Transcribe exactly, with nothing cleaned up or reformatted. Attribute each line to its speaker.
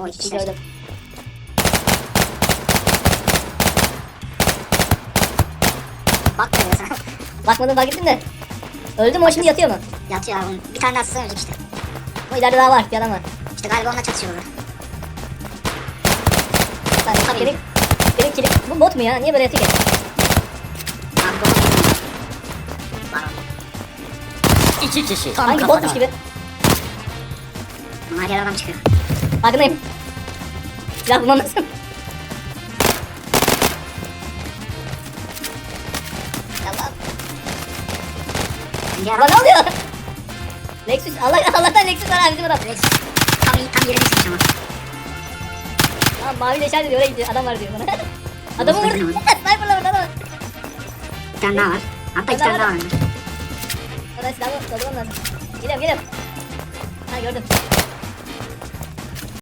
Speaker 1: O iki kişiler.
Speaker 2: Gördüm.
Speaker 1: Bak böyle sana.
Speaker 2: Bakmadım fark ettim de. Öldü mü o şimdi yatıyor mu?
Speaker 1: Yatıyor abi. Bir tane daha sığınacak işte.
Speaker 2: O ileride daha var bir adam var.
Speaker 1: İşte galiba onunla çatışıyorlar.
Speaker 2: Ben
Speaker 1: Tabii.
Speaker 2: benim, benim kilim. Bu bot mu ya? Niye böyle yatıyor ki?
Speaker 1: Abi baba geliyor. Var o.
Speaker 3: İki kişi.
Speaker 1: Tam
Speaker 2: Sanki
Speaker 1: kafada.
Speaker 2: botmuş gibi.
Speaker 1: Bunlar yer adam çıkıyor.
Speaker 2: Farkındayım. Silah bulmam lazım. Allah'ım.
Speaker 1: Yer
Speaker 2: Ulan
Speaker 1: adam.
Speaker 2: ne oluyor? Lexus. Allah Allah'tan Lexus var abi bizim adam.
Speaker 1: Rex. Tam iyi tam yerine çıkmış ama.
Speaker 2: Tamam maviyle işaret ediyor oraya gidiyor. Adam var diyor bana. Adamı vurdu. Sniper'la vurdu adamı.
Speaker 1: Bir tane daha var. Hatta iki
Speaker 2: Daha
Speaker 1: tane daha
Speaker 2: var.
Speaker 1: var.
Speaker 2: Oradan silahı doldurmam lazım. Geliyorum geliyorum. Ha gördüm.